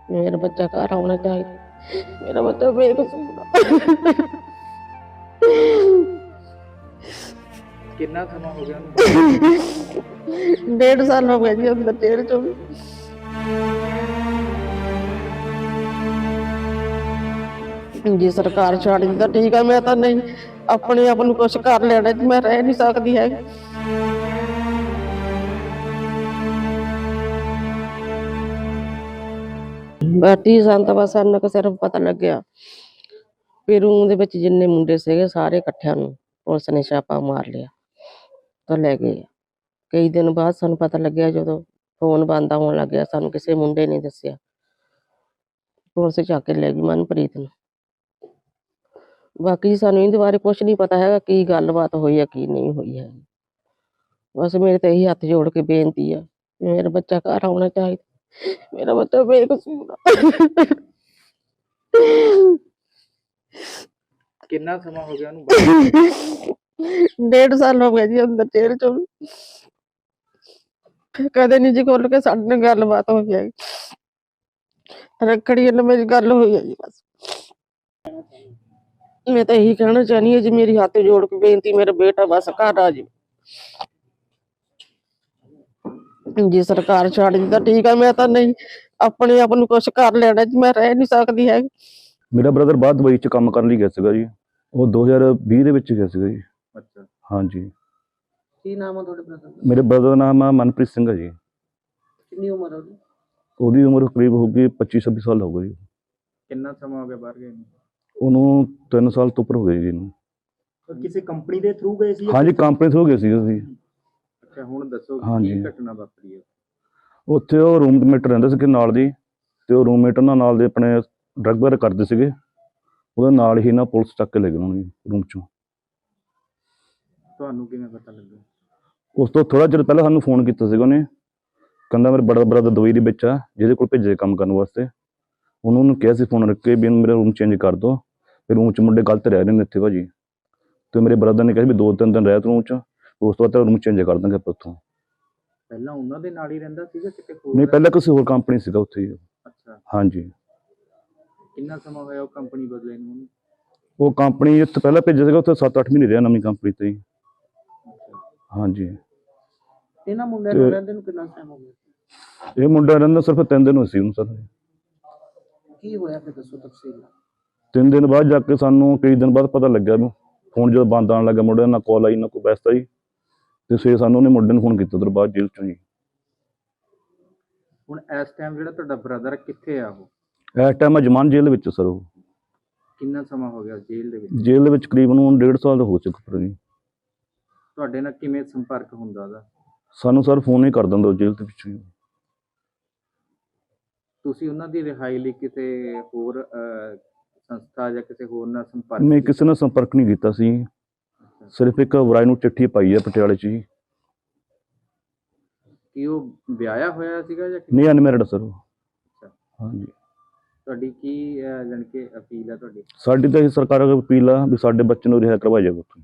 मेरा बच्चा घर आना चाहिए। मेरा बच्चा बेकसूर आ। ਕਿੰਨਾ ਸਮਾਂ ਹੋ ਗਿਆ ਉਹਨੂੰ ਬਾਹਰ? 1.5 साल हो गया जी अंदर जेल चो भी। जी सरकार छड़ दी तो ठीक है, मैं तो नहीं अपने आप नूं कुछ कर लेना, मैं रह नहीं सकती है। बाटी सन तो बस इन्ना सिर्फ पता लग्या भी रूम दे विच जिन्ने मुंडे सीगे सारे इकट्ठिਆਂ ਨੂੰ पुलिस ने छापा मार लिया तो ले गए। कई दिन बाद सानू पता लग्या जदों फोन बंद आउण लग गया, सानू किसी मुंडे ने दस्सिया, पुलिस चक के ले गई मनप्रीत नूं। बाकी सानू इहदे बारे कुछ नहीं पता है की गलबात होई है की नहीं हुई है। बस मेरे तो यही हथ जोड़ के बेनती है, मेरा बच्चा घर आना चाहिए। मेरा बच्चा बेकसूर आ। ਕਿੰਨਾ ਸਮਾਂ ਹੋ ਗਿਆ ਉਹਨੂੰ ਬਾਹਰ? 1.5 साल हो गया जी अंदर जेल चो भी। कदे नहीं जी खोल के साडे नाल गलबात होई है। रखड़ी नाल मेरी गल हुई है जी बस। मैं तो यही कहना चाहनी है जी, मेरी हाथ जोड़ के बेनती, मेरा बेटा बस घर आ जाए। जी सरकार छड़ दी तो ठीक है, मैं तो नहीं अपने आप नूं कुछ कर लेना, मैं रह नहीं सकती है। ਮੇਰਾ ਬ੍ਰਦਰ ਬਾਹਰ ਦੁਬਈ 'ਚ ਕੰਮ ਕਰਨ ਲਈ ਗਿਆ ਸੀਗਾ ਜੀ। ਉਹ 2020 ਦੇ ਵਿੱਚ ਗਿਆ ਸੀਗਾ ਜੀ। ਅੱਛਾ, ਹਾਂਜੀ। ਕੀ ਨਾਮ ਆ ਤੁਹਾਡੇ ਬ੍ਰਦਰ ਦਾ? ਮੇਰੇ ਬ੍ਰਦਰ ਦਾ ਨਾਮ ਆ ਮਨਪ੍ਰੀਤ ਸਿੰਘ ਹੈ ਜੀ। ਕਿੰਨੀ ਉਮਰ ਹੈ ਉਹਦੀ? ਉਹਦੀ ਉਮਰ ਕਰੀਬ ਹੋਊਗੀ 25-26 ਸਾਲ ਹੋਊਗੀ ਜੀ। ਕਿੰਨਾ ਸਮਾਂ ਹੋ ਗਿਆ ਬਾਹਰ ਗਏ ਨੂੰ? ਉਹਨੂੰ 3 ਸਾਲ ਤੋਂ ਉੱਪਰ ਹੋ ਗਏ ਜੀ ਇਹਨੂੰ। ਕਿਸੇ ਕੰਪਨੀ ਦੇ ਥਰੂ ਗਏ ਸੀ? ਹਾਂਜੀ, ਕੰਪਨੀ ਤੋਂ ਗਏ ਸੀ ਅਸੀਂ। ਅੱਛਾ, ਹੁਣ ਦੱਸੋ ਹਾਂਜੀ। ਕੀ ਘਟਨਾ ਵਾਪਰੀ ਹੈ? ਉੱਥੇ ਉਹ ਰੂਮਮੇਟ ਰਹਿੰਦੇ ਸੀਗੇ ਨਾਲ ਦੀ, ਤੇ ਉਹ ਰੂਮਮੇਟ ਉਹਨਾਂ ਨਾਲ ਦੇ ਆਪਣੇ ਡਰੱਗ ਵਗੈਰਾ ਕਰਦੇ ਸੀਗੇ। ਉਹਦੇ ਨਾਲ ਹੀ ਨਾ ਪੁਲਿਸ ਚੱਕ ਕੇ ਲੈ ਗਏ ਉਹਨੂੰ ਰੂਮ 'ਚੋਂ। ਤੁਹਾਨੂੰ ਕਿਵੇਂ ਪਤਾ ਲੱਗਾ? ਉਸ ਤੋਂ ਥੋੜ੍ਹਾ ਚਿਰ ਪਹਿਲਾਂ ਸਾਨੂੰ ਫੋਨ ਕੀਤਾ ਸੀਗਾ ਉਹਨੇ, ਕਹਿੰਦਾ ਮੇਰਾ ਬੜਾ ਬ੍ਰਦਰ ਦੁਬਈ ਦੇ ਵਿੱਚ ਆ, ਜਿਹਦੇ ਕੋਲ ਭੇਜੇ ਕੰਮ ਕਰਨ ਵਾਸਤੇ। ਉਹਨੂੰ ਕਿਹਾ ਸੀ ਫੋਨ ਰੱਖ ਕੇ ਵੀ ਮੇਰਾ ਰੂਮ ਚੇਂਜ ਕਰ ਦਿਓ, ਫਿਰ ਰੂਮ 'ਚ ਮੁੰਡੇ ਗਲਤ ਰਹਿ ਰਹੇ ਨੇ ਇੱਥੇ ਭਾਜੀ। ਅਤੇ ਮੇਰੇ ਬ੍ਰਦਰ ਨੇ ਕਿਹਾ ਵੀ 2-3 ਦਿਨ ਰਹਿ ਤੂੰ ਰੂਮ 'ਚ, ਉਸ ਤੋਂ ਬਾਅਦ ਤੇਰਾ ਰੂਮ ਚੇਂਜ ਕਰ ਦਾਂਗੇ ਆਪਾਂ ਉੱਥੋਂ। ਪਹਿਲਾਂ ਉਹਨਾਂ ਦੇ ਨਾਲ ਹੀ ਰਹਿੰਦਾ ਸੀਗਾ ਕਿਤੇ ਹੋਰ? ਨਹੀਂ, ਪਹਿਲਾਂ ਕਿਸੇ ਹੋਰ ਕੰਪਨੀ ਸੀਗਾ ਉੱਥੇ ਹੀ। ਅੱਛਾ, ਹਾਂਜੀ। ਕਿੰਨਾ ਸਮਾਂ ਹੋਇਆ ਉਹ ਕੰਪਨੀ ਬਦਲੇ ਨੂੰ ਉਹਨੂੰ? ਉਹ ਕੰਪਨੀ ਇੱਥੇ ਪਹਿਲਾਂ ਭੇਜਿਆ ਸੀਗਾ, ਉੱਥੇ 7-8 ਮਹੀਨੇ ਰਿਹਾ ਨਵੀਂ ਕੰਪਨੀ 'ਤੇ ਹੀ। ਹਾਂਜੀ। ਇਹਨਾਂ ਮੁੰਡਿਆਂ ਨਾਲ ਰਹਿੰਦੇ ਨੂੰ ਕਿੰਨਾ ਟਾਈਮ ਹੋ ਗਿਆ? ਇਹ ਮੁੰਡਾ ਰਹਿੰਦਾ ਸਿਰਫ 3 ਦਿਨ ਹੋਏ ਸੀ ਉਹਨੂੰ ਸਰ। ਕੀ ਹੋਇਆ ਫਿਰ ਦੱਸੋ ਤਫਸੀਲ। 3 ਦਿਨ ਬਾਅਦ ਜਾ ਕੇ ਸਾਨੂੰ ਕਈ ਦਿਨ ਬਾਅਦ ਪਤਾ ਲੱਗਿਆ ਨੂੰ, ਫੋਨ ਜਦੋਂ ਬੰਦ ਆਉਣ ਲੱਗਾ ਮੁੰਡੇ ਨਾਲ ਕਾਲ ਆਈ ਨਾ ਕੋਈ ਵੈਸਤਾ ਜੀ, ਅਤੇ ਫਿਰ ਸਾਨੂੰ ਉਹਨੇ ਮੁੰਡੇ ਨੂੰ ਫੋਨ ਕੀਤਾ ਉਧਰ ਬਾਅਦ ਜੇਲ੍ਹ 'ਚੋਂ ਜੀ। ਹੁਣ ਇਸ ਟਾਈਮ ਜਿਹੜਾ ਤੁਹਾਡਾ ਬ੍ਰਦਰ ਕਿੱਥੇ ਆ ਉਹ? ਇਸ ਟਾਈਮ ਅਜਮਾਨ ਜੇਲ੍ਹ ਵਿੱਚ ਸਰ ਉਹ। ਕਿੰਨਾ ਸਮਾਂ ਹੋ ਗਿਆ ਜੇਲ੍ਹ ਦੇ ਵਿੱਚ? ਜੇਲ੍ਹ ਦੇ ਵਿੱਚ ਕਰੀਬਨ 1.5 ਸਾਲ ਦਾ ਹੋ ਚੁੱਕਾ ਜੀ। ਤੁਹਾਡੇ ਨਾਲ ਕਿਵੇਂ ਸੰਪਰਕ ਹੁੰਦਾ ਉਹਦਾ? ਸਾਨੂੰ ਸਰ ਫੋਨ ਹੀ ਕਰ ਦਿੰਦਾ ਉਹ ਜੇਲ੍ਹ ਦੇ ਵਿੱਚੋਂ ਹੀ। ਤੁਸੀਂ ਉਹਨਾਂ ਦੀ ਰਿਹਾਈ ਲਈ ਕਿਸੇ ਹੋਰ ਸੰਸਥਾ ਜਾਂ ਕਿਸੇ ਹੋਰ ਨਾਲ ਸੰਪਰਕ? ਨਹੀਂ, ਕਿਸੇ ਨਾਲ ਸੰਪਰਕ ਨਹੀਂ ਕੀਤਾ ਸੀ, ਸਿਰਫ ਇੱਕ ਵਰਾਏ ਨੂੰ ਚਿੱਠੀ ਪਾਈ ਹੈ ਪਟਿਆਲੇ 'ਚ ਜੀ। ਕੀ ਉਹ ਵਿਆਹਿਆ ਹੋਇਆ ਸੀਗਾ ਜਾਂ ਨਹੀਂ, ਅਨਮੈਰਿਡ ਸਰ ਉਹ। ਅੱਛਾ। ਹਾਂਜੀ। ਤੁਹਾਡੀ ਕੀ ਜਾਣੀ ਕਿ ਅਪੀਲ ਹੈ ਤੁਹਾਡੀ? ਸਾਡੀ ਤਾਂ ਇਹ ਸਰਕਾਰ ਅੱਗੇ ਅਪੀਲ ਆ ਵੀ ਸਾਡੇ ਬੱਚੇ ਨੂੰ ਰਿਹਾਈ ਕਰਵਾਇਆ ਜਾਵੇ ਉੱਥੋਂ।